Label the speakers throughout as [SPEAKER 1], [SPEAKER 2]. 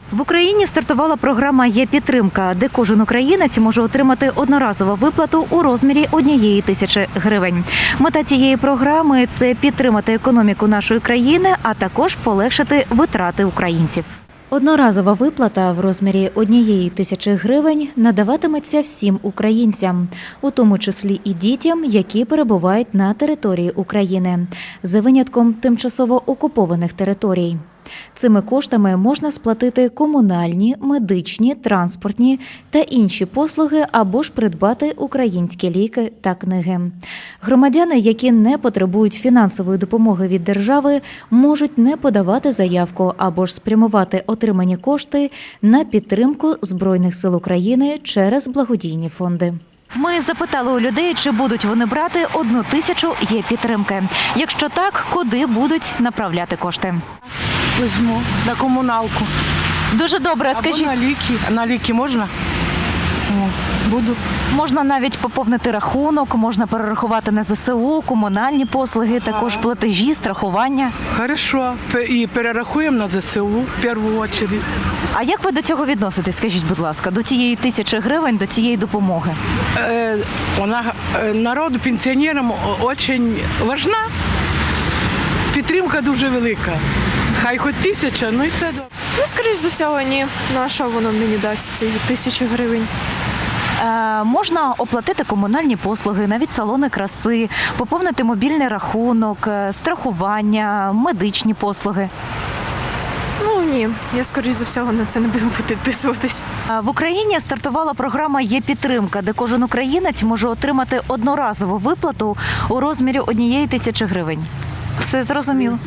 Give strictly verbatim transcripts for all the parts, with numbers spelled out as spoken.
[SPEAKER 1] В Україні стартувала програма «Є-підтримка», де кожен українець може отримати одноразову виплату у розмірі однієї тисячі гривень. Мета цієї програми – це підтримати економіку нашої країни, а також полегшити витрати українців. Одноразова виплата в розмірі однієї тисячі гривень надаватиметься всім українцям, у тому числі і дітям, які перебувають на території України, за винятком тимчасово окупованих територій. Цими коштами можна сплатити комунальні, медичні, транспортні та інші послуги або ж придбати українські ліки та книги. Громадяни, які не потребують фінансової допомоги від держави, можуть не подавати заявку або ж спрямувати отримані кошти на підтримку Збройних сил України через благодійні фонди. Ми запитали у людей, чи будуть вони брати одну тисячу «Є-підтримки». Якщо так, куди будуть направляти кошти?
[SPEAKER 2] Візьму на комуналку.
[SPEAKER 1] Дуже добре,
[SPEAKER 2] Або
[SPEAKER 1] скажіть.
[SPEAKER 2] на ліки. На ліки можна? О, буду.
[SPEAKER 1] Можна навіть поповнити рахунок, можна перерахувати на ЗСУ, комунальні послуги, також платежі, страхування.
[SPEAKER 2] Хорошо. Пе- І перерахуємо на ЗСУ в першу чергу.
[SPEAKER 1] А як ви до цього відноситесь, скажіть, будь ласка, до цієї тисячі гривень, до цієї допомоги?
[SPEAKER 2] Е, Вона е, народу, пенсіонерам дуже важна. Підтримка дуже велика. Хай хоч тисяча, ну і це добре.
[SPEAKER 3] Ну, скоріш за всього, ні. Ну, а що воно мені дасть, ці тисячі гривень?
[SPEAKER 1] Е, можна оплатити комунальні послуги, навіть салони краси, поповнити мобільний рахунок, е, страхування, медичні послуги.
[SPEAKER 3] Ну, ні. Я, скоріш за всього, на це не буду підписуватись.
[SPEAKER 1] Е, В Україні стартувала програма «Є-підтримка», де кожен українець може отримати одноразову виплату у розмірі однієї тисячі гривень. Все зрозуміло?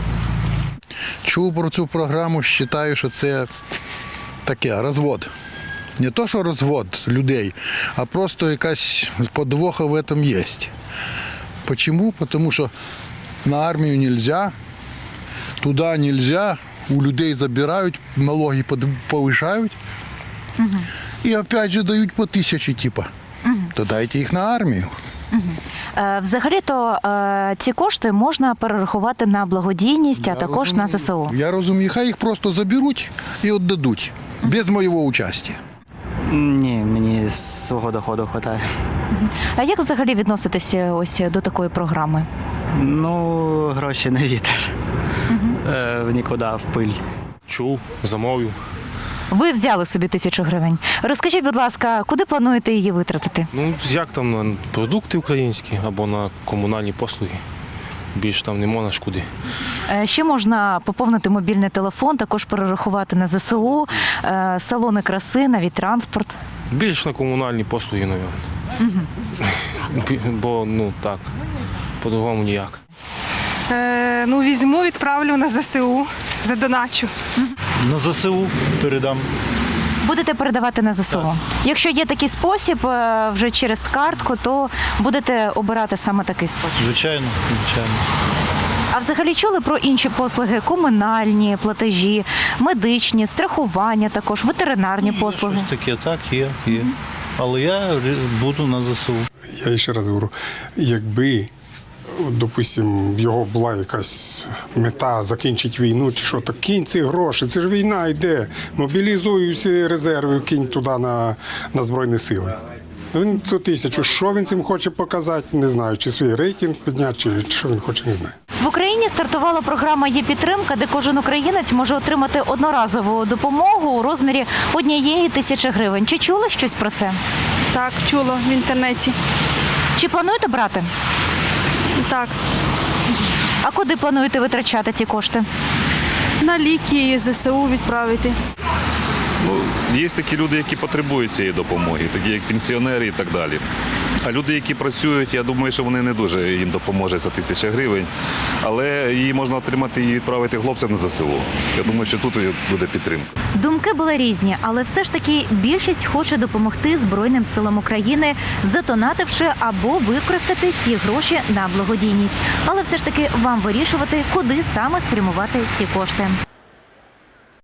[SPEAKER 4] Чув про цю програму, вважаю, що це таке розвод. Не то, що розвод людей, а просто якась подвоха в цьому є. Чому? Тому що на армію не можна, туди не можна, у людей забирають, налоги повишають угу. І опять же дають по тисячі, типу. Угу. То дайте їх на армію.
[SPEAKER 1] Угу. Е, взагалі-то е, ці кошти можна перерахувати на благодійність, а
[SPEAKER 4] Я
[SPEAKER 1] також
[SPEAKER 4] розумію.
[SPEAKER 1] на ЗСУ.
[SPEAKER 4] Я розумію, хай їх просто заберуть і віддадуть, без моєго участі.
[SPEAKER 5] Ні, мені свого доходу вистачає.
[SPEAKER 1] А як взагалі відноситеся ось до такої програми?
[SPEAKER 5] Ну, гроші не вітер. Угу. Е, в нікуди, в пиль.
[SPEAKER 6] Чув, замовив.
[SPEAKER 1] Ви взяли собі тисячу гривень. Розкажіть, будь ласка, куди плануєте її витратити?
[SPEAKER 6] Ну, як там на продукти українські або на комунальні послуги. Більше там не можна ж куди.
[SPEAKER 1] Е, Ще можна поповнити мобільний телефон, також перерахувати на ЗСУ, е, салони краси, навіть транспорт.
[SPEAKER 6] Більше на комунальні послуги, мабуть. Угу. Бо, ну так, по-другому ніяк.
[SPEAKER 7] Е, ну, візьму, відправлю на ЗСУ, задоначу.
[SPEAKER 8] На ЗСУ передам.
[SPEAKER 1] Будете передавати на ЗСУ. Так. Якщо є такий спосіб, е, вже через картку, то будете обирати саме такий спосіб.
[SPEAKER 8] Звичайно, звичайно.
[SPEAKER 1] А взагалі чули про інші послуги? Комунальні платежі, медичні, страхування також, ветеринарні
[SPEAKER 8] Є
[SPEAKER 1] послуги?
[SPEAKER 8] Щось таке, так, є, є. Але я буду на ЗСУ.
[SPEAKER 9] Я ще раз говорю, якби, допустимо, в його була якась мета закінчити війну, чи що, то кинь ці гроші, це ж війна йде, мобілізуй всі резерви, кинь туди на, на Збройні сили. Він цю тисячу, що він цим хоче показати, не знаю, чи свій рейтинг підняти, чи що він хоче, не знаю.
[SPEAKER 1] В Україні стартувала програма «Є-підтримка», де кожен українець може отримати одноразову допомогу у розмірі однієї тисячі гривень. Чи чули щось про це?
[SPEAKER 3] Так, чула в інтернеті.
[SPEAKER 1] Чи плануєте брати?
[SPEAKER 3] Так,
[SPEAKER 1] А куди плануєте витрачати ці кошти?
[SPEAKER 3] на ліки і ЗСУ відправити.
[SPEAKER 10] Ну, є такі люди, які потребують цієї допомоги, такі як пенсіонери і так далі. А люди, які працюють, я думаю, що вони не дуже їм допоможе за тисяча гривень, але її можна отримати і відправити хлопцям на ЗСУ. Я думаю, що тут буде підтримка.
[SPEAKER 1] Думки були різні, але все ж таки більшість хоче допомогти Збройним силам України, задонативши або використати ці гроші на благодійність. Але все ж таки вам вирішувати, куди саме спрямувати ці кошти.